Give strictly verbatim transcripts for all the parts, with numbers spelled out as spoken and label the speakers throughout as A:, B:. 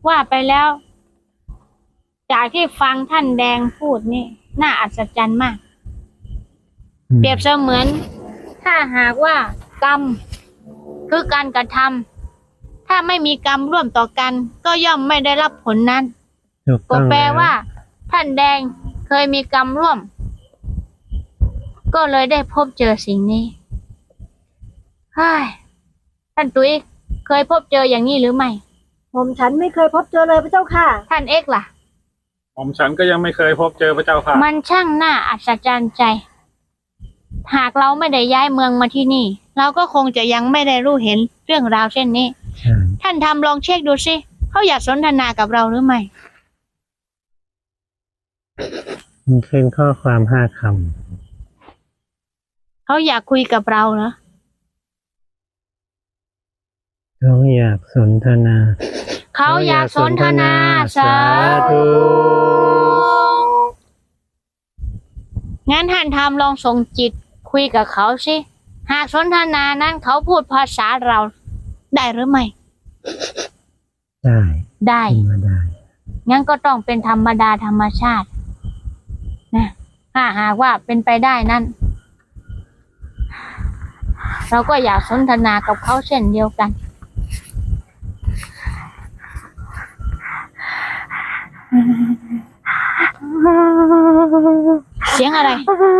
A: ว่าไปแล้วจากที่ฟังท่านแดงพูดนี่น่าอัศจรรย์มากเปรียบเสมือนถ้าหากว่ากรรมคือการกระทำถ้าไม่มีกรรมร่วมต่อกันก็ย่อมไม่ได้รับผลนั้นก็แปลว่าท่านแดงเคยมีกรรมร่วมก็เลยได้พบเจอสิ่งนี้เฮ้ยท่านตุ้ยเคยพบเจออย่างนี้หรือไม่
B: ผมฉันไม่เคยพบเจอเลยพระเจ้าค่ะ
A: ท่านเอกล่ะ
C: ผมฉันก็ยังไม่เคยพบเจอพระเจ้าค่ะ
A: มันช่างน่าอัศจรรย์ใจหากเราไม่ได้ย้ายเมืองมาที่นี่เราก็คงจะยังไม่ได้รู้เห็นเรื่องราวเช่นนี้ท่านทำลองเช็คดูสิเขาอยากสนทนากับเราหรือไม่
D: มันเป็นข้อความห้าค
A: ำเขาอยากคุยกับเราเหรอ
D: เขาอยากสนทนา
A: เขาอยากสนทนาสาธุงั้นท่านทำลองส่งจิตคุยกับเขาสิหากสนทนานั้นเขาพูดภาษาเราได้หรือไม่
D: ได้
A: ได้ได้งั้นก็ต้องเป็นธรรมดาธรรมชาตินะถ้าหากว่าเป็นไปได้นั้นเราก็อยากสนทนากับเขาเช่นเดียวกันเสียงอะไร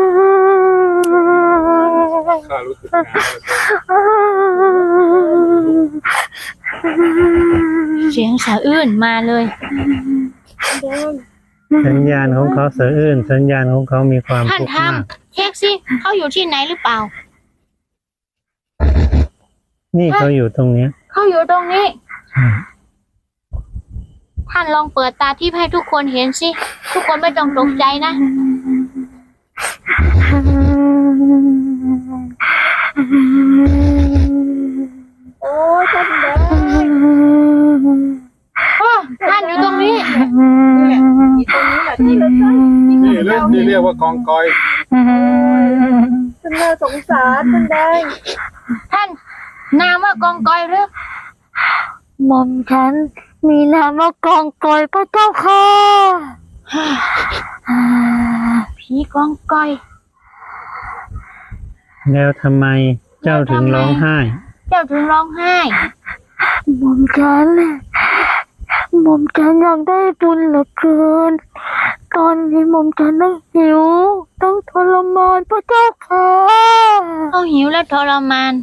C: ข้ารู้สึกนะ
A: เสียงสะอื้นมาเลย
D: สัญญาณของเขาสะอื้นสัญญาณของเขามีความ
A: ท่านทำเช็คสิเขาอยู่ที่ไหนหรือเปล่า
D: นี่เขาอยู่ตรงนี้
A: เขาอยู่ตรงนี้ท่านลองเปิดตาทิพย์ให้ทุกคนเห็นสิทุกคนไม่ต้องตกใจนะ
B: โอ้ท่านแดง
A: โอ้ท่านอยู่ตรงนี้
B: นี่ตรงนี้แหละที่เรา
C: นี่เรื่องที่เรียกว่ากองกอย
B: ท่านน่าสงสารท่านแดง
A: ท่านนามว่ากองกอยหรือ
B: หม่อมฉันมีนามว่ากองกอยพระเจ้าค่ะ
A: ผีกองกอย
D: แล้วทำไมเจ้าถึงร้องไห้
A: เจ้าถึงร้องไห้
B: หม่อมฉันหม่อมฉันอยากได้บุญเหลือเกินตอนนี้หม่อมฉันต้องหิวต้องทรมานพระเจ้าค่ะ
A: ต้องหิวและทรมาน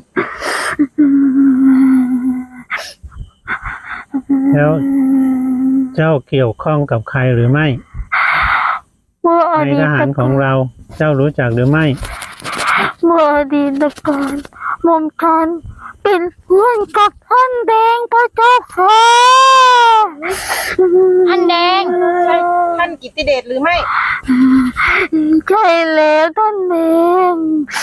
D: แล้วเจ้าเกี่ยวข้องกับใครหรือไม่ในทหารของเราเจ้ารู้จักหรือไม่
B: เมื่ออดีตการหม่อมฉันเป็นเพื่อนกับท่านแดงพระเจ้าค่ะ
A: ท่านแดง
B: ท่านกิตติเดชหรือไม่ใช่แล้วท่านแดง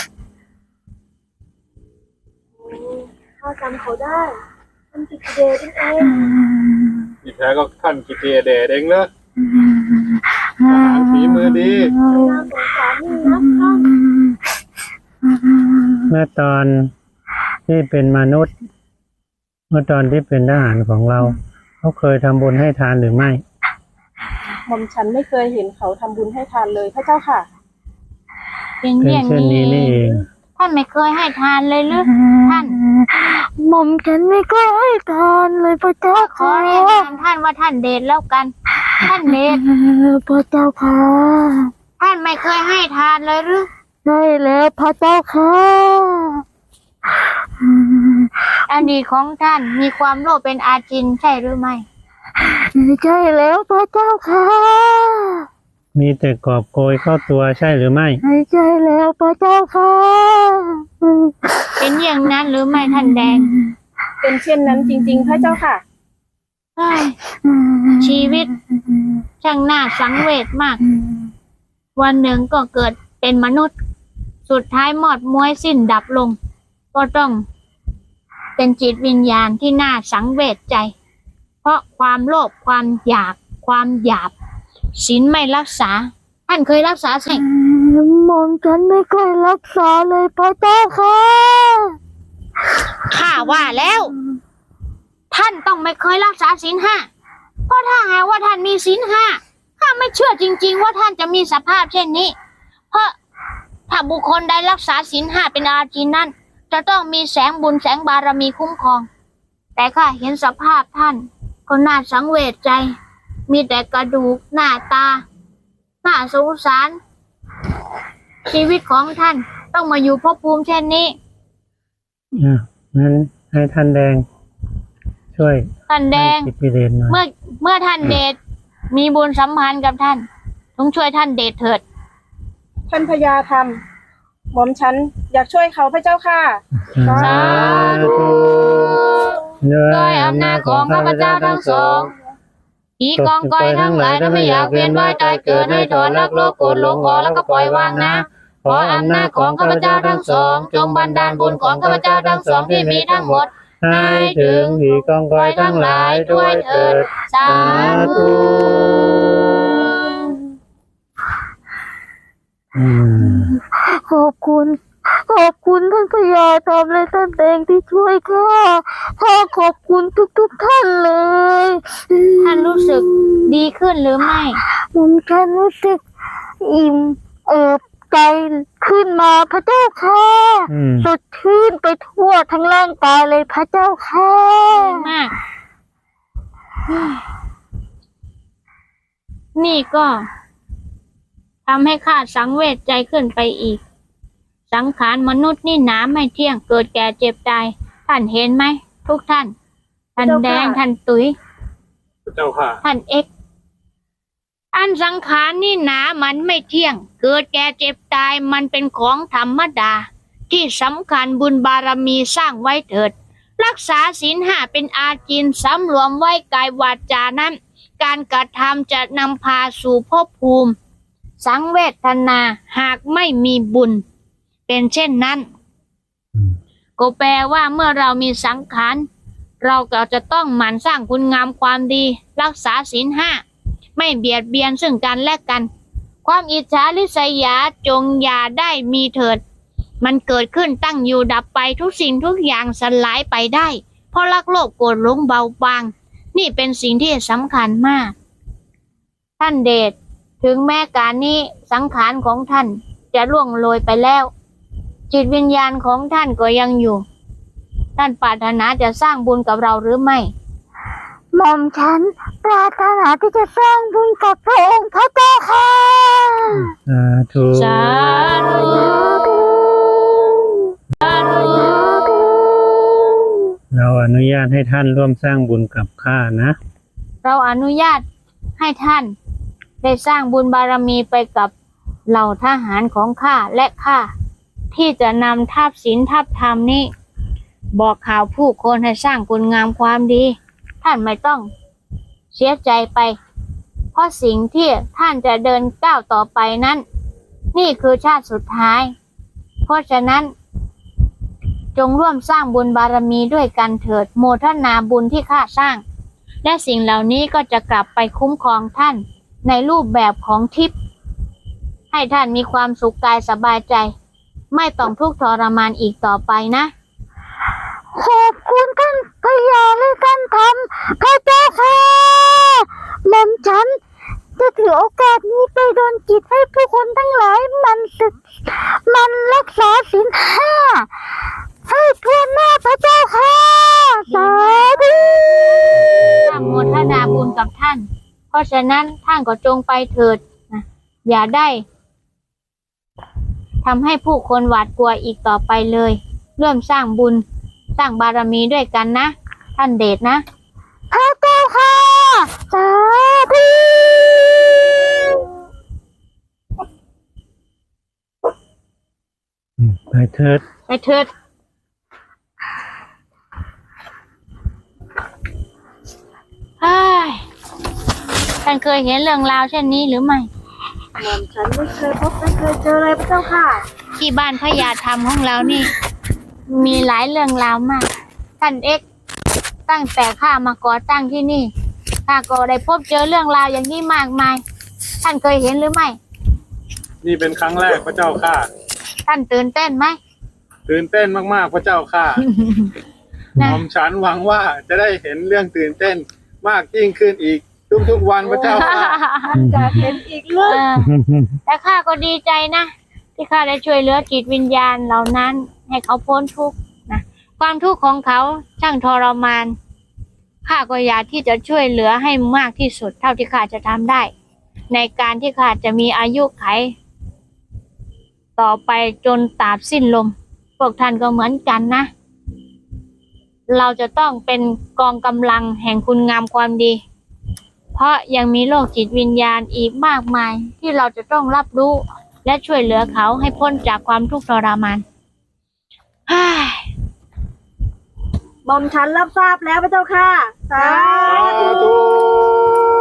B: ข้าจำเขาได้ท่านกิตติเดชเอง
C: ที่แท้ก็ท่านกิตติเดชเองเลยทหารฝีมือดี
B: น่าสงสารนี่นะท่าน
D: เมื่อตอนที่เป็นมนุษย์เมื่อตอนที่เป็นทหารของเราเขาเคยทำบุญให้ทานหรือไม่
B: หม่อมฉันไม่เคยเห็นเขาทำบุญให้ทานเลยพระเจ้าค่ะ
A: เป็นอย่างนี้นี่เองท่านไม่เคยให้ทานเลยหรือท่าน
B: หม่อมฉันไม่เคยให้ทานเลยพระเจ้า
A: ขอเรียกท่านว่าท่านเดชแล้วกันท่านเดช
B: พระเจ้าค่ะ
A: ท่านไม่เคยให้ทานเลยหรือ
B: ใช่แล้วพระเจ้าค่ะ
A: อดีตของท่านมีความโลภเป็นอาจินใช่หรือไม่
B: ใช่แล้วพระเจ้าค่ะ
D: มีแต่กอบโกยเข้าตัวใช่หรือไม่
B: ใช่แล้วพระเจ้าค่ะ
A: เป็นอย่างนั้นหรือไม่ท่านแดง
B: เป็นเช่นนั้นจริงๆพระเจ้าค่ะ
A: ชีวิตช่างน่าสังเวชมากวันหนึ่งก็เกิดเป็นมนุษย์สุดท้ายหมดม้วยสิ้นดับลงก็ต้องเป็นจิตวิญญาณที่น่าสังเวชใจเพราะความโลภความอยากความหยาบศีลไม่รักษาท่านเคยรักษาใช่
B: หม่อมฉันไม่เคยรักษาเลยพระเจ้าค่ะ
A: ข้าว่าแล้วท่านต้องไม่เคยรักษาศีลห้าเพราะถ้าหากว่าท่านมีศีลห้าข้าไม่เชื่อจริงๆว่าท่านจะมีสภาพเช่นนี้ เพราะถ้าบุคคลใดรักษาศีลห้าเป็นอาจินนั้นจะต้องมีแสงบุญแสงบารมีคุ้มครองแต่ข้าเห็นสภาพท่านก็น่าสังเวชใจมีแต่กระดูกหน้าตาน่าสงสารชีวิตของท่านต้องมาอยู่ภพภูมิเช่นนี้
D: อ่ะงั้นให้ท่านแดง ช่วย
A: ท่านแดง
D: ให้กิตติเดชหน่อย
A: เมื่อเมื่อท่านเดชมีบุญสัมพันธ์กับท่านต้องช่วยท่านเดชเถิด
E: ท่านพญาธรรมหม่อมฉันอยากช่วยเขาพระเจ้าค่ะ
A: สาธุ ด้วยอำนาจของข้าพเจ้าทั้งสองผีกองกอยทั้งหลายถ้าไม่อยากเวียนว่ายตายเกิดให้ถอนรักโลภโกรธหลงออกแล้วก็ปล่อยวางนะขออำนาจของข้าพเจ้าทั้งสองจงบันดาลบุญของข้าพเจ้าทั้งสองที่มีทั้งหมดให้ถึงผีกองกอยทั้งหลายด้วยเถิดสาธุ
D: อืม
B: ขอบคุณ ขอบคุณท่านพญาธรรมและท่านแดงที่ช่วยข้าข้าขอบคุณทุกๆท่านเลย
A: ท่านรู้สึกดีขึ้นหรือไม่
B: ผมฉันรู้สึกอิ่มเอิบใจขึ้นมาพระเจ้าค่ะ
D: อืม
B: สดชื่นไปทั่วทั้งร่างกายเลยพระเจ้าค่ะ
A: ดีมากเฮ้ยนี่ก็ทำให้ข้าสังเวชใจขึ้นไปอีก สังขารมนุษย์นี่หนาไม่เที่ยงเกิดแก่เจ็บตายท่านเห็นไหมทุกท่านท่านแดงท่านตุ๋ย
C: พระเจ้าค่ะ
A: ท่านเอ็กซ์อันสังขารนี่หนามันไม่เที่ยง เกิดแก่เจ็บตายมันเป็นของธรรมดา ที่สำคัญบุญบารมีสร้างไว้เถิด รักษาศีลห้าเป็นอาจินสำรวมไว้กายวาจานั้น การกระทำจะนำพาสู่ภพภูมิ สังเวทนาหากไม่มีบุญ เป็นเช่นนั้น ก็แปลว่าเมื่อเรามีสังขารเราก็จะต้องหมั่นสร้างคุณงามความดี รักษาศีลห้าไม่เบียดเบียนซึ่งกันและกัน ความอิจฉาริษยาจงอย่าได้มีเถิด มันเกิดขึ้นตั้งอยู่ดับไปทุกสิ่งทุกอย่างสลายไปได้ เพราะรักโลภโกรธหลงเบาบาง นี่เป็นสิ่งที่สำคัญมาก ท่านเดชถึงแม้การนี้สังขารของท่านจะล่วงโรยไปแล้ว จิตวิญญาณของท่านก็ยังอยู่ ท่านปรารถนาจะสร้างบุญกับเราหรือไม่
B: หม่อมฉันปรารถนาที่จะสร้างบุญกับพระองค์พระเจ้าค่ะ
D: สาธุ
A: สาธุสาธุ
D: เราอนุญาตให้ท่านร่วมสร้างบุญกับข้านะ
A: เราอนุญาตให้ท่านได้สร้างบุญบารมีไปกับเหล่าทหารของข้าและข้าที่จะนำทัพศีลทัพธรรมนี้ บอกข่าวผู้คนให้สร้างคุณงามความดี ท่านไม่ต้องเสียใจไป เพราะสิ่งที่ท่านจะเดินก้าวต่อไปนั้น นี่คือชาติสุดท้าย เพราะฉะนั้น จงร่วมสร้างบุญบารมีด้วยกันเถิดโมทนาบุญที่ข้าสร้าง และสิ่งเหล่านี้ก็จะกลับไปคุ้มครองท่านในรูปแบบของทิพย์ให้ท่านมีความสุขกายสบายใจ ไม่ต้องทุกข์ทรมานอีกต่อไปนะ
B: ขอบคุณท่านพญาและท่านธรรมพระเจ้าค่ะหม่อมฉันจะถือโอกาสนี้ไปดลจิตให้ผู้คนทั้งหลายมันศึกมันรักษาศีลห้าให้ทั่วหน้าพระเจ้าค่ะสาธุ
A: ท่านโมทนาบุญกับท่าน เพราะฉะนั้นท่านก็จงไปเถิดนะอย่าได้ทำให้ผู้คนหวาดกลัวอีกต่อไปเลยเริ่มสร้างบุญสร้างบารมีด้วยกันนะ ท่านเดชนะ
B: พระเจ้าค่ะสาธุ
D: อืมไปเถิด
A: ไปเถิดเฮ้ยท่านเคยเห็นเรื่องราวเช่นนี้หรือไม่
E: หม่อมฉันไม่เคยพบไม่เคยเจอเลยพระเจ้าค่ะ
A: ที่บ้านพญาธรรมของเรานี่ มีหลายเรื่องราวมาก ท่านเอ็กซ์ตั้งแต่ข้ามาก่อตั้งที่นี่ข้าก็ได้พบเจอเรื่องราวอย่างนี้มากมาย ท่านเคยเห็นหรือไม่
C: นี่เป็นครั้งแรกพระเจ้าค่ะ
A: ท่านตื่นเต้นไหม
C: ตื่นเต้นมากๆพระเจ้าค่ะห
A: นะ
C: ม่อมฉันหวังว่าจะได้เห็นเรื่องตื่นเต้นมากยิ่งขึ้นอีกทุกทุกๆวันพระเจ้าค่ะ
E: จะเป็นอีกเรื่อง
A: เออแต่ข้าก็ดีใจนะที่ข้าได้ช่วยเหลือจิตวิญญาณเหล่านั้น ให้เขาพ้นทุกข์นะความทุกข์ของเขาช่างทรมานข้าก็อยากที่จะช่วยเหลือให้มากที่สุดเท่าที่ข้าจะทำได้ ในการที่ข้าจะมีอายุไข ต่อไปจนตราบสิ้นลมพวกท่านก็เหมือนกันนะ เราจะต้องเป็นกองกำลังแห่งคุณงามความดี เพราะยังมีโลกจิตวิญญาณอีกมากมายที่เราจะต้องรับรู้ และช่วยเหลือเขาให้พ้นจากความทุกข์ทรมานฮ่า
E: หม่อมฉันรับทราบแล้วพระเจ้าค่ะสา
C: สา
E: ธุ
C: ธุ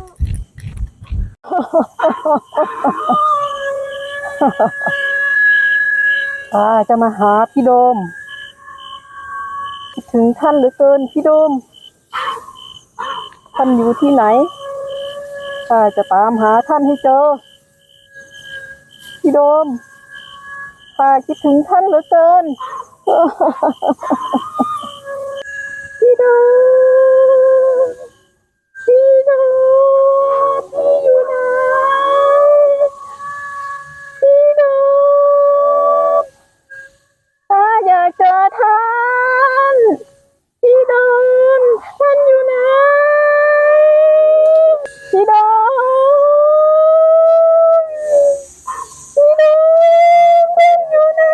E: อ่าจะมาหาพี่โดมคิดถึงท่านเหลือเกินพี่โดมท่านอยู่ที่ไหนข้าจะตามหาท่านให้เจอพี่โดมข้าคิดถึงท่านเหลือเกิน พี่โดมพี่โดมพี่อยู่ไหนพี่โดมข้าอยากเจอท่านพี่โดมท่านอยู่ไหนพี่โดมพี่โดมท่านอยู่ไหน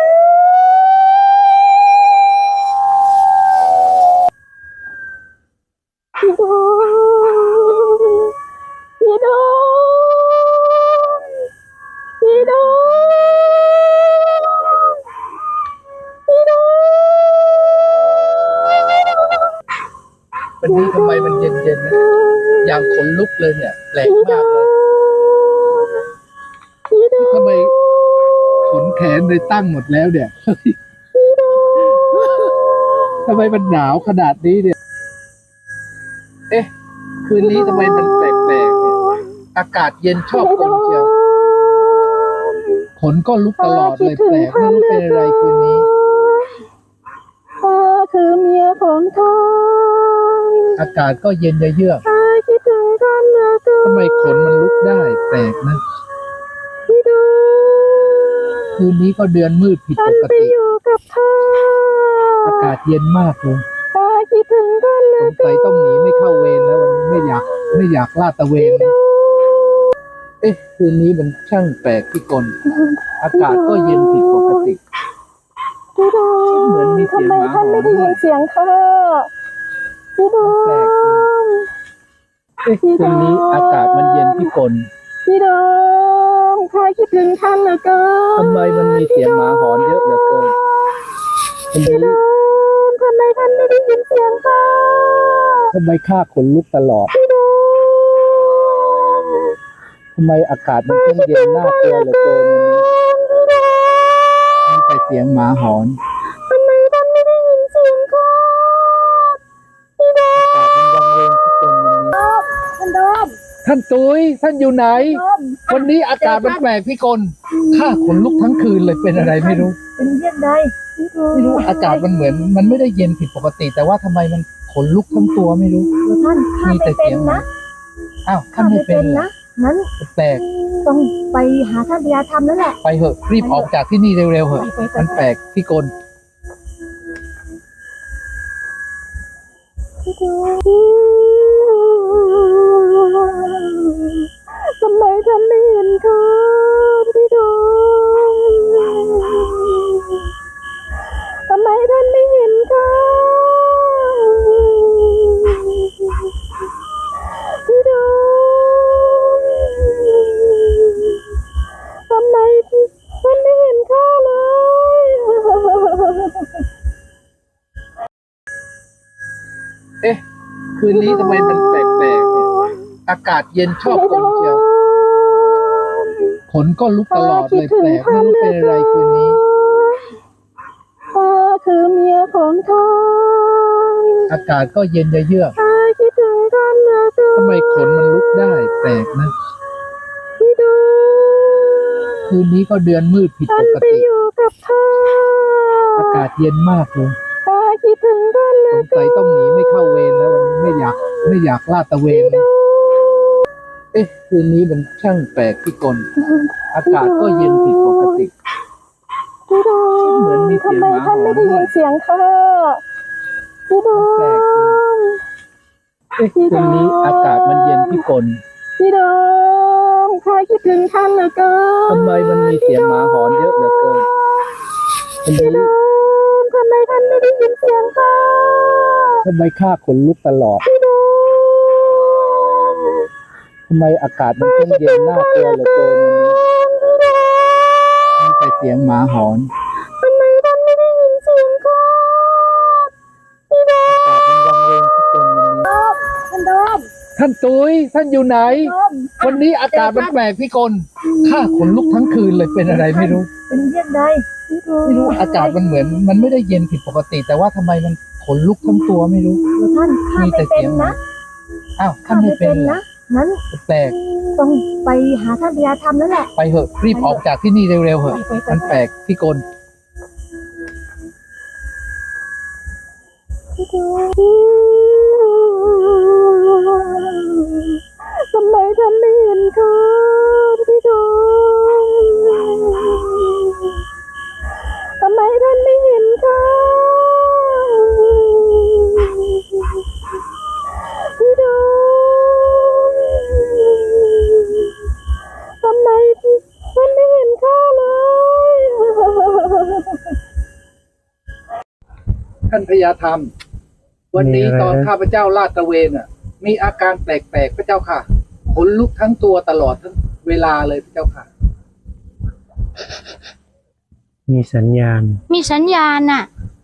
E: พี่โดมพี่โดมพี่โดมพี่โดม
F: วันนี้ทำไมมันเย็นๆนะอย่างขนลุกเลยเนี่ยแปลกมากเลยทำไมขนแขนเลยตั้งหมดแล้วเนี่ยเฮ้ยทำไมมันหนาวขนาดนี้เนี่ย เอ๊ะ คืนนี้ทำไมมันแปลกๆเนี่ยอากาศเย็นชอบกลเชียวขนก็ลุกตลอดเลยแปลกไม่รู้เป็นอะไรคืนนี้
E: ข้าคือเมียของท่าน
F: อากาศก็เย็นเยือก
E: ข้าคิดถึงท่านเหลือเกิน
F: ทำไมขนมันลุกได้แปลกนะ
E: พี่โดม
F: คืนนี้ก็เดือนมืดผิด
E: ท่า
F: ป
E: น
F: ก
E: ไป
F: ติ
E: อยู่กับข้า
F: อากาศเย็นมากเลย
E: ข้าคิดถึงท่านเหลื
F: ส
E: อง เกิ
F: สัย
E: น
F: ต้องหนีไม่เข้าเวรแล้ววันนี้ไม่อยากไม่อยากลาดตระเวนเลยเอ๊ะ คืนนี้มันช่างแปลกที่กลอากาศก็เย็นผิดปกติ
E: พี่โดม
F: เหมือนมีเสียง
E: ทำไม
F: หมาห
E: ท่าน
F: อน
E: ไม่ได้
F: ด้
E: ยิ
F: วย
E: นเสียงข้าพี่โด
F: แปลกจริง
E: ม
F: เอ๊ะ คืนนี้อากาศมันเย็นที่กล
E: พี่โดมข้าคิดถึงท่านเหลือเกิน
F: ทำไมมันมีเสียงหมาหอนเยอะเหลือเกินวัน
E: พี่โด
F: นี้
E: มทำไมท่านไม่ได้ยินเสียงข้า
F: ทำไมข้าขนลุกตลอด
E: พี่โดม
F: ทำไมอากาศมันช่างเย็นน่ากลัวเหลือเกินวันนี้มีแต่เสียงหมาหอน
E: ทำไมท่านไม่ได้ยินเสียงข้าพี่โดม
F: อากาศมันวังเวงที่กลวันนี้
E: ท่านโดม
F: ท่านตุ้ยท่านอยู่ไหน
E: โดม
F: วันนี้อากาศมันแปลกพี่กลข้าขนลุกทั้งคืนเลยเป็นอะไรไม่รู้
E: เป็นเยี่ยงใด
F: ไม่รู้อากาศมันเหมือน มันไม่ได้เย็นผิดปกติ แต่ว่าทำไมมันขนลุกทั้งตัวไม่รู้
E: เดี๋ยวท่านข้า
F: มี
E: ไม่
F: แต่
E: เป็
F: เสี
E: น
F: ยงหมา
E: นะ
F: อ้าว
E: ข้า
F: ท่าน
E: ไม่
F: ไม่
E: เป็
F: เป็น นเหรอ
E: นะงั้น
F: แปลก
E: ต้องไปหาท่านพญาธรรมแล้วแหละ
F: ไปเหอะรีบออกจากที่นี่เร็วๆเหอะ
E: ไปไปไป
F: มันแปลกพี่กล
E: ทำไมท่านไม่เห็นข้าพี่โดมทำไมท่านไม่เห็นข้าพี่โดมทำไมท่านไม่เห็นข้าเลย
F: เอ๊ะ คืนนี้ทำไมมันแปลกๆเนี่ยอากาศเย็นชอบกลเชียวขนก็ลุกตลอดเลยแปลกไม่รู้เป็นอะไรคืนนี้
E: ข้าคือเมียของท่าน
F: อากาศก็เย็นเยือก
E: ข้าคิดถึงท่านเหลือเกิน
F: ทำไมขนมันลุกได้แปลกนะ
E: พี่โดม
F: คืนนี้ก็เดือนมืดผิด
E: ท่า
F: ป
E: น
F: ก
E: ไป
F: ติ
E: อยู่กับข้า
F: อากาศเย็นมากเลย
E: ข้าคิดถึงท่านเหลื
F: ส
E: อง เกิ
F: สัย
E: น
F: ต้องหนีไม่เข้าเวรแล้ววันนี้ไม่อยากไม่อยากลาดตระเวนเลย
E: พ
F: เอ๊ะคืนนี้มันช่างแปลกพิกลอากาศก็เย็นผิดปกติ
E: พี่ดม
F: เหมือนมีเสียง
E: ทำไม
F: หมาห
E: ท่าน
F: อน
E: ไม่ได้
F: ด้
E: ยิ
F: วย
E: นเสียงข้าพี่ดม
F: แปลกจริงเอ๊ะคืนนี้อากาศมันเย็นพิกล
E: พี่ดมข้าคิดถึงท่านเหลือเกิน
F: ทำไมมันมีเสียงหมาหอนเยอะเหลือเกินวันนี้
E: ดมทำไมท่านไม่ได้ยินเสียงข้า
F: ทำไมข้าขนลุกตลอด
E: พี่ดม
F: ทำไมอากาศมันช่างเย็นน่ากลัวเหลือเกินวันนี้มีแต่เสียงหมาหอน
E: ทำไมท่านไม่ได้ยินเสียงข้าพี่ดม
F: อากาศมันวังเวงพิกลวันนี้
E: ท่านดม
F: ท่านตุ้ยท่านอยู่ไหน
E: ดม
F: วันนี้อากาศมันแปลกพิกลข้าขนลุกทั้งคืนเลยเป็นอะไรไม่รู้
E: เป็นเยี่ยงใดพี่ดม
F: ไม่รู้อากาศมันเหมือน มันไม่ได้เย็นผิดปกติ แต่ว่าทำไมมันขนลุกทั้งตัวไม่รู้
E: เดี๋ยวท่านข้า
F: มี
E: ไม่
F: แต่
E: เป็
F: เสี
E: น
F: ยงหมา
E: นะ
F: อ้าวท่า
E: ข้าน
F: ไม่
E: ไม่
F: เป็
E: เป็น น
F: เหรอ
E: นะนั้น
F: แปลก
E: ต้องไปหาท่านพยาธรรมแล้วแหละ
F: ไปเหอะรีบออกจากที่นี่เร็วๆเหอะ
E: ไปไป
F: มันแปลกพิกล
E: พี่ดมทำไมท่านไม่เห็นข้าพี่ดมทำไมท่านไม่เห็นข้าพี่ดมทำไมท่านไม่เห็นข้าเลย
F: ท่านพญาธรรม วันนี้ตอนข้าพเจ้าลาดตระเวนอ่ะ มีอาการแปลกๆพระเจ้าค่ะขนลุกทั้งตัวตลอดทั้งเวลาเลยพระเจ้าค่ะ
D: มีสัญญาณ
A: มีสัญญาณน่ะ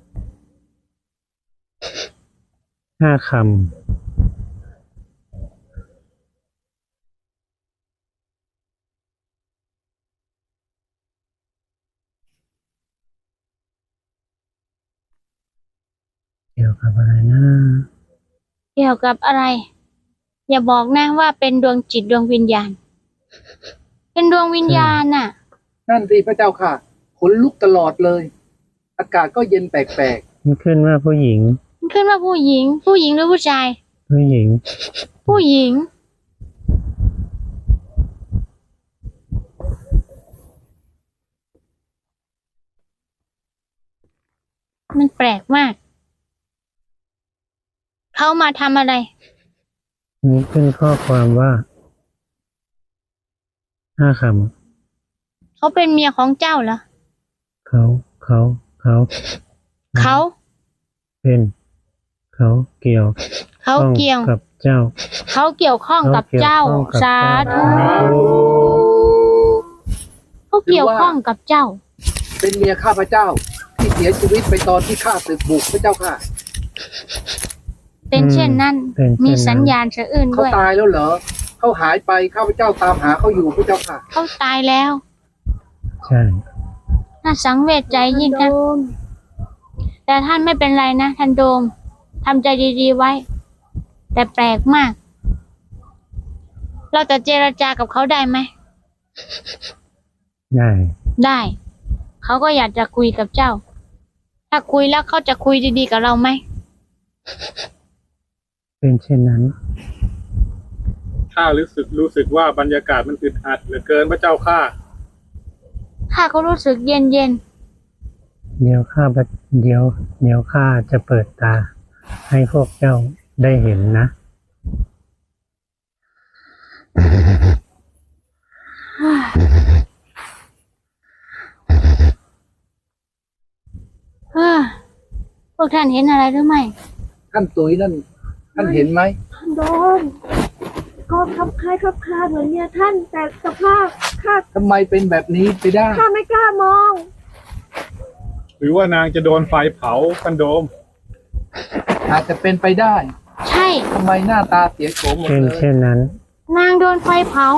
D: ห้าคำเกี่ยวกับอะไรนะ
A: เกี่ยวกับอะไร อย่าบอกนะว่าเป็นดวงจิตดวงวิญญาณ เป็นดวงวิญญาณน่ะ
F: นั่นสิพระเจ้าค่ะขนลุกตลอดเลย อากาศก็เย็นแปลก
D: มันขึ้นว่าผู้หญิง
A: มันขึ้นว่าผู้หญิง ผู้หญิงหรือผู้ชาย
D: ผู้หญิง
A: ผู้หญิง มันแปลกมาก เขามาทำอะไร
D: มีขึ้นข้อความว่าห้าค
A: เขาเป็นเมียของเจ้าเหรอ
D: ำเขาเขาเขา
A: เขา
D: เป็น เขาเกี่ยว
A: เขา
D: ข้อง
A: เกี่ยว
D: กับเจ้า
A: เขาเกี่ยวข้องกับเจ้า
D: เขาเกี่ยวข้องกับ
A: สาธุ
D: เจ้า
A: เขาเกี่ยวข้องกับเจ้า
F: ๆ เป็นเมียข้าพเจ้า ที่เสียชีวิตไปตอนที่ข้าศึกบุกพระเจ้าค่ะ
A: เป็นเช่นนั้น
D: เป็นเช่นนั้น
A: มีสัญญาณสะอื้น
F: เขา
A: ด้วย
F: ตายแล้วเหรอเขาหายไปข้าพเจ้าตามหาเขาอยู่พระเจ้าค่ะ
A: เขาตายแล้ว
D: ใช่
A: น่าสังเวชใจยิ่งนะแต่ท่านไม่เป็นไรนะท่านโดมทำใจดีๆไว้ แต่แปลกมาก เราจะเจรจากับเขาได้ไหม
D: ได้
A: ได้ เขาก็อยากจะคุยกับเจ้า ถ้าคุยแล้วเขาจะคุยดีๆกับเราไหม
D: เป็นเช่นนั้น
C: ข้ารู้สึกรู้สึกว่าบรรยากาศมันอึดอัดเหลือเกินพระเจ้าข้า
A: ข้าก็รู้สึกเย็นเย็น
D: เดี๋ยวข้าพเดี๋ยวเดี๋ยวข้าจะเปิดตา ให้พวกเจ้าได้เห็นนะ
A: ๆเฮ้อพวกท่านเห็นอะไรหรือไม่
F: ท่านตุ้ยนั่น ท่านเห็นไหม
E: ท่านโดมก็คับคล้ายคับคลาเหมือนเนี่ยท่านแต่สภาพข้า
F: ทำไมเป็นแบบนี้ไปได้
E: ข้าไม่กล้ามอง
C: หรือว่านางจะโดนไฟเผาท่านโดม
F: อาจจะเป็นไปได้
A: ใช่
F: ทำไมหน้าตาเสียโฉมหมด
D: เป็น
F: เลย
D: เช่นนั้น
A: นางโดนไฟเผา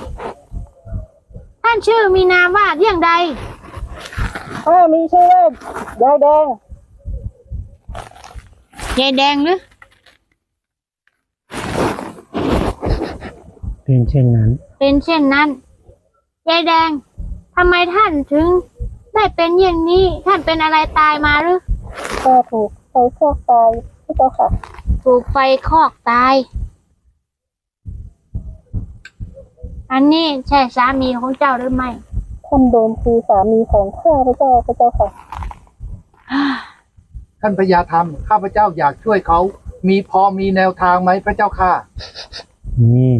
A: ท่านชื่อมีนามว่าเรื่องใด
E: ข้ามีชื่อว่ายายแดง
A: ยายแดงหรือ
D: เป็นเช่นนั้น
A: เป็นเช่นนั้น ยายแดง ทำไมท่านถึงได้เป็นอย่างนี้ ท่านเป็นอะไรตายมาหรือ
E: ก็ถูกไฟคลอกตายพระเจ้าค่ะ
A: ถูกไฟคอกตายอันนี้ใช่สามีของเจ้าหรือไม่
E: ท่านโดมคือสามีของข้าพเจ้าพระเจ้าค่ะ
F: ท่านพญาธรรมข้าพเจ้าอยากช่วยเขา มีพอมีแนวทางไหมพระเจ้าค่ะ
D: นี่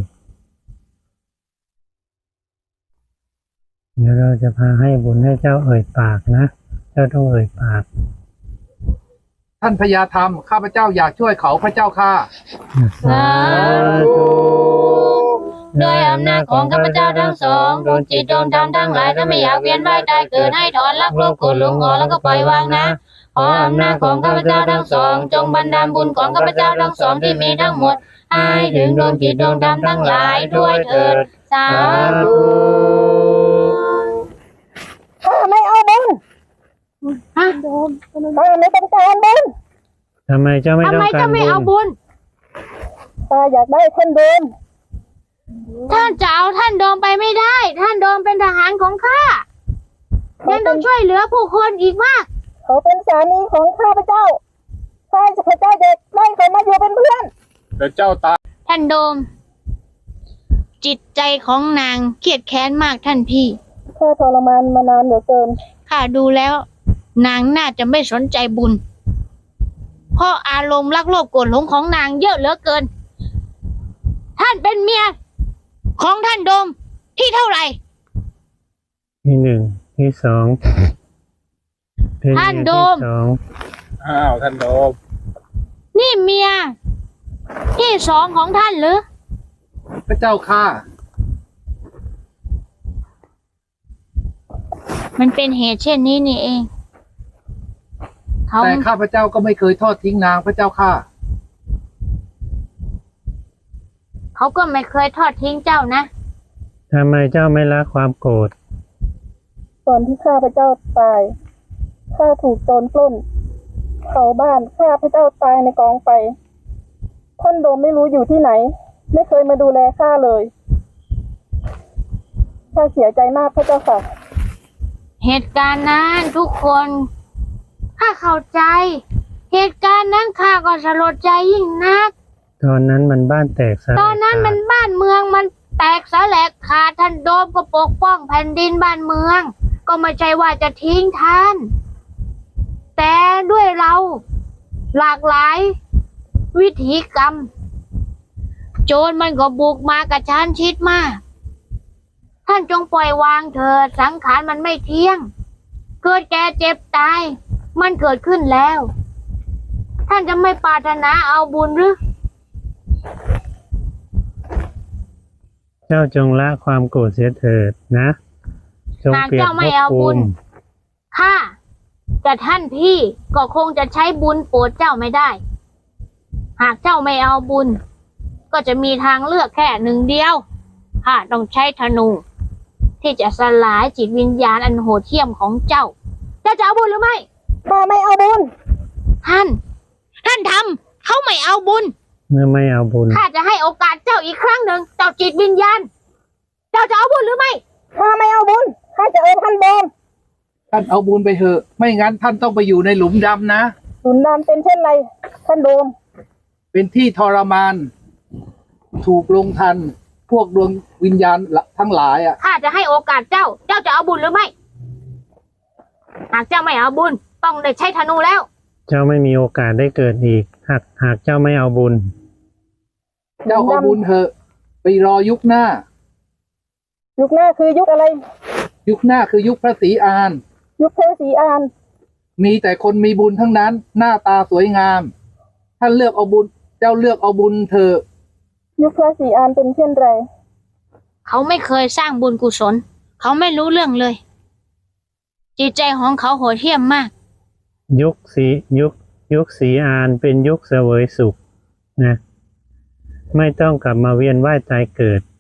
D: เดี๋ยวเราจะพาให้บุญให้เจ้าเอ่ยปากนะ เจ้าต้องเอ่ยปาก
F: ท่านพญาธรรมข้าพเจ้าอยากช่วยเขาพระเจ้าค่ะ
D: สาธุ
A: ด้วยอำนาจของข้าพเจ้าทั้งสองดวงจิตดวงธรรมทั้งหลายถ้าไม่อยากเวียนว่ายตายเกิดให้ถอนรักโลภโกรธหลงออกแล้วก็ปล่อยวางนะขออำนาจของข้าพเจ้าทั้งสองจงบันดาลบุญของข้าพเจ้าทั้งสองที่มีทั้งหมดให้ถึงดวงจิตดวงธรรมทั้งหลายด้วยเถิดสาธุ
E: ข้าไม่เอาบุญ
A: ฮะ
E: ข้าไม่ต้องการบุญ
D: ทำไมเจ้าไม่
A: ทำ
D: ต้อง
A: ไม
D: กา
A: เจ้าร ไม่เอา
D: บุญ
A: บุญ
E: ข้าอยากได้ท่านโดม
A: ท่านจะเอาท่านโดมไปไม่ได้ ท่านโดมเป็นทหารของข้ายังต้องช่วยเหลือผู้คนอีกมาก
E: เขาเป็นสามีของข้าพเจ้าข้าพเจ้าเด็กได้เขามาอยู่เป็นเพื่อน
C: เดี๋ยวเจ้าตาย
A: ท่านโดม จิตใจของนางเครียดแค้นมากท่านพี่
E: ข้าทรมานมานานเหลือเกิน
A: ข้าดูแล้ว นางน่าจะไม่สนใจบุญ เพราะอารมณ์รักโลภโกรธหลงของนางเยอะเหลือเกิน ท่านเป็นเมียของท่านโดมที่เท่าไหร่
D: ที่หนึ่งที่สองเป็น
A: ท่านโดม
D: ที่สอง
C: อ้าวท่านโดม
A: นี่เมียที่สองของท่านหรือ
F: พระเจ้าค่ะ
A: มันเป็นเหตุเช่นนี้นี่เอง เขา
F: แต่ข้าพเจ้าก็ไม่เคยทอดทิ้งนางพระเจ้าค่ะ
A: เขาก็ไม่เคยทอดทิ้งเจ้านะ
D: ทำไมเจ้าไม่ละความโกรธ
E: ตอนที่ข้าพเจ้าตาย ข้าถูกโจรปล้นเผาบ้านข้าพเจ้าตายในกองไฟ ท่านโดมไม่รู้อยู่ที่ไหน ไม่เคยมาดูแลข้าเลย ข้าเสียใจมากพระเจ้าค่ะ
A: เหตุการณ์นั้นทุกคนข้าเข้าใจ เหตุการณ์นั้นข้าก็สลดใจยิ่งนัก
D: ตอนนั้นมันบ้านแตกสลาย
A: ตอนนั้นมันบ้านเมืองมันแตกสลายขาดท่านโดมก็ปกป้องแผ่นดินบ้านเมือง ก็ไม่ใช่ว่าจะทิ้งท่าน แต่ด้วยเราหลากหลาย วิถีกรรม โจรมันก็บุกมากระชั้นชิดมาก ท่านจงปล่อยวางเถิดสังขารมันไม่เที่ยง เกิดแก่เจ็บตาย มันเกิดขึ้นแล้ว ท่านจะไม่ปรารถนาเอาบุญหรือ
D: เจ้าจงละความโกรธเสียเถิดนะจงเปลี่ยน
A: หากเจ้าไม่เอา
D: ภพ
A: บุ
D: ภู
A: ญ
D: มิ
A: ข้าแต่ท่านพี่ก็คงจะใช้บุญโปรดเจ้าไม่ได้ หากเจ้าไม่เอาบุญ ก็จะมีทางเลือกแค่หนึ่งเดียวข้าต้องใช้ธนู ที่จะสลายจิตวิญญาณอันโหดเหี้ยมของเจ้า เจ้าจะเอาบุญหรือไม่
E: ข้าไม่เอาบุญ
A: ท่าน ท่านทำเขาไม่เอาบุญ
D: เมื่อไม่เอาบุญ
A: ข้าจะให้โอกาสเจ้าอีกครั้งหนึ่งเจ้าจิตวิญญาณ เจ้าจะเอาบุญหรือไม่
E: ข้าไม่เอาบุญ ข้าจะเอาท่านโดม
F: ท่านเอาบุญไปเถอะ ไม่งั้นท่านต้องไปอยู่ในหลุมดำนะ
E: สุนดำเป็นเช่นไร ท่านโดม
F: เป็นที่ทรมาน ถูกลงทัน พวกดวงวิญญาณทั้งหลายอ่ะ
A: ข้าจะให้โอกาสเจ้า เจ้าจะเอาบุญหรือไม่ หากเจ้าไม่เอาบุญ ต้องได้ใช้ธนูแล้ว
D: เจ้าไม่มีโอกาสได้เกิดอีก หากหากเจ้าไม่เอาบุญ
F: เจ้าเอาบุญเถอะ ไปรอยุคหน้า
E: ยุคหน้าคือยุคอะไร
F: ยุคหน้าคือยุคพระศรีอาน
E: ยุคเทวศรีอาน
F: มีแต่คนมีบุญทั้งนั้น หน้าตาสวยงาม ท่านเลือกเอาบุญ เจ้าเลือกเอาบุญเถอะ
E: ยุคพระศรีอานเป็นเช่นไร
A: เขาไม่เคยสร้างบุญกุศล เขาไม่รู้เรื่องเลย จิตใจของเขาโหดเหี้ยมมาก
D: ยุคสียุคยุคสีอานเป็นยุคเสวยสุขนะ ไม่ต้องกลับมาเวียนว่ายตายเกิด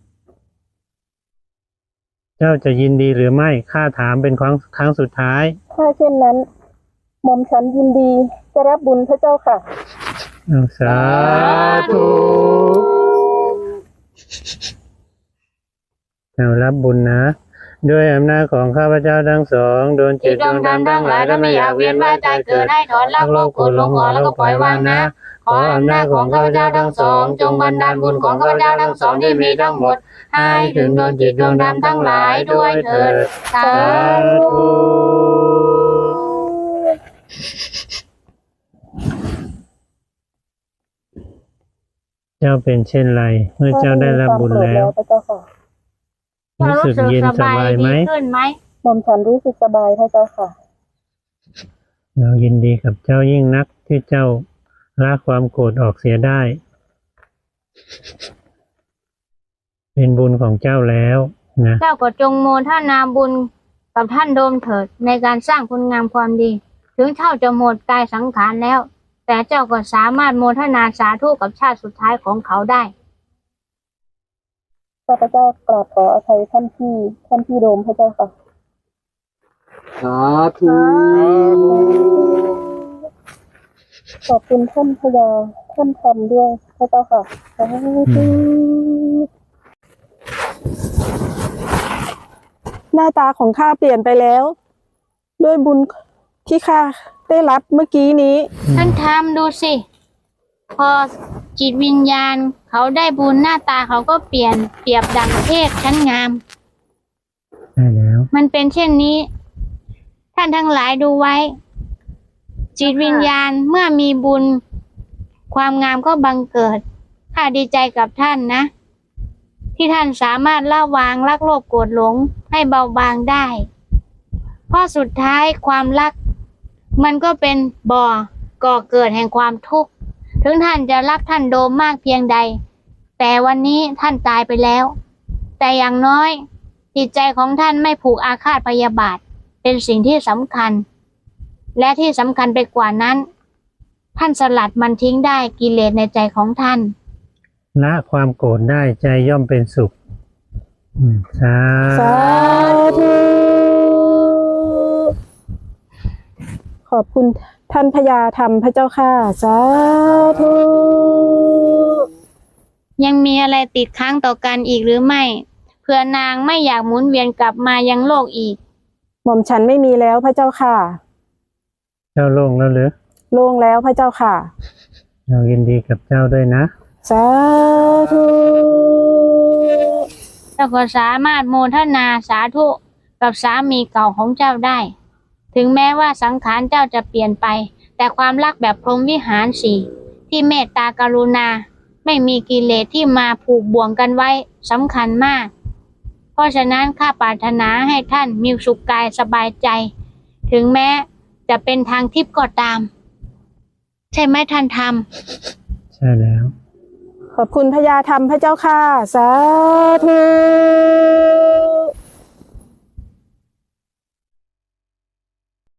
D: เจ้าจะยินดีหรือไม่ข้าถามเป็นครั้งครั้งสุดท้าย
E: ถ้าเช่นนั้น หม่อมฉันยินดีจะรับบุญพระเจ้าค่ะ
D: เอาสาธุเอารับบุญนะด้วยอำนาจของข้าพเจ้าทั้งสองดวงจิตดวงธรรมทั้งหลายถ้าไม่อยากเวียนว่ายตายเกิดให้ถอนรักโลภโกรธหลงออกแล้วก็ปล่อยวางนะขออำนาจของข้าพเจ้าทั้งสองจงบันดาลบุญของข้าพเจ้าทั้งสองที่มีทั้งหมดให้ถึงดวงจิตดวงธรรมทั้งหลายด้วยเถิดสาธุ เจ้าเป็นเช่นไรเมื่อเจ้าได้รับบุญแล้ว
E: พระเจ้าค่ะ
D: รู้สึกเย็นสบายไหม
A: ดีขึ้นไหม
E: หม่อมฉันรู้สึกสบายพระเจ้าค่ะ
D: เรายินดีกับเจ้ายิ่งนักที่เจ้าละความโกรธออกเสียได้ เป็นบุญของเจ้าแล้วนะ
A: เจ้าก็จงโมทนาบุญกับท่านโดมเถิดในการสร้างคุณงามความดี ถึงเจ้าจะหมดกายสังขารแล้ว แต่เจ้าก็สามารถโมทนาสาธุกับชาติสุดท้ายของเขาได้
E: ข้าพเจ้ากราบขออภัยท่านพี่ท่านพี่โดมพระเจ้าค่ะ
F: สาธุ
E: ขอบคุณท่านพญาท่านธรรมด้วยพระเจ้าค่ะสาธุ
G: หน้าตาของข้าเปลี่ยนไปแล้ว ด้วยบุญที่ข้าได้รับเมื่อกี้นี้
A: ท่านทำดูสิ พอจิตวิญญาณเขาได้บุญหน้าตาเขาก็เปลี่ยนเปรียบดังเทพชั้นงาม
D: ใช่แล้ว
A: มันเป็นเช่นนี้ ท่านทั้งหลายดูไว้ จิตวิญญาณเมื่อมีบุญ ความงามก็บังเกิดข้าดีใจกับท่านนะ ที่ท่านสามารถละวางรักโลภโกรธหลงให้เบาบางได้ เพราะสุดท้ายความรัก มันก็เป็นบ่อก่อเกิดแห่งความทุกข์ถึงท่านจะรักท่านโดมมากเพียงใด แต่วันนี้ท่านตายไปแล้ว แต่อย่างน้อยจิตใจของท่านไม่ผูกอาฆาตพยาบาทเป็นสิ่งที่สำคัญ และที่สำคัญไปกว่านั้น ท่านสลัดมันทิ้งได้กิเลสในใจของท่าน
D: ละความโกรธได้ใจย่อมเป็นสุขอืมสา
G: สาธุ ขอบคุณท่านพญาธรรมพระเจ้าค่ะสาธุ
A: ยังมีอะไรติดค้างต่อกันอีกหรือไม่เพื่อนางไม่อยากหมุนเวียนกลับมายังโลกอีก
G: หม่อมฉันไม่มีแล้วพระเจ้าค่ะ
D: เจ้าโล่งแล้วหรือ
G: โล่งแล้วพระเจ้าค่ะ
D: เรายินดีกับเจ้าด้วยนะ
G: สาธุ
A: เจ้าก็สามารถโมทนาสาธุกับสามีเก่าของเจ้าได้ ถึงแม้ว่าสังขารเจ้าจะเปลี่ยนไป แต่ความรักแบบพรหมวิหารสี่ที่เมตตากรุณาไม่มีกิเลสที่มาผูกบ่วงกันไว้สำคัญมาก เพราะฉะนั้นข้าปรารถนาให้ท่านมีสุขกายสบายใจ ถึงแม้จะเป็นทางทิพย์ก็ตาม ใช่ไหมท่านทำ
D: ใช่แล้ว
G: ขอบคุณพญาธรรมพระเจ้าค่ะสาธุ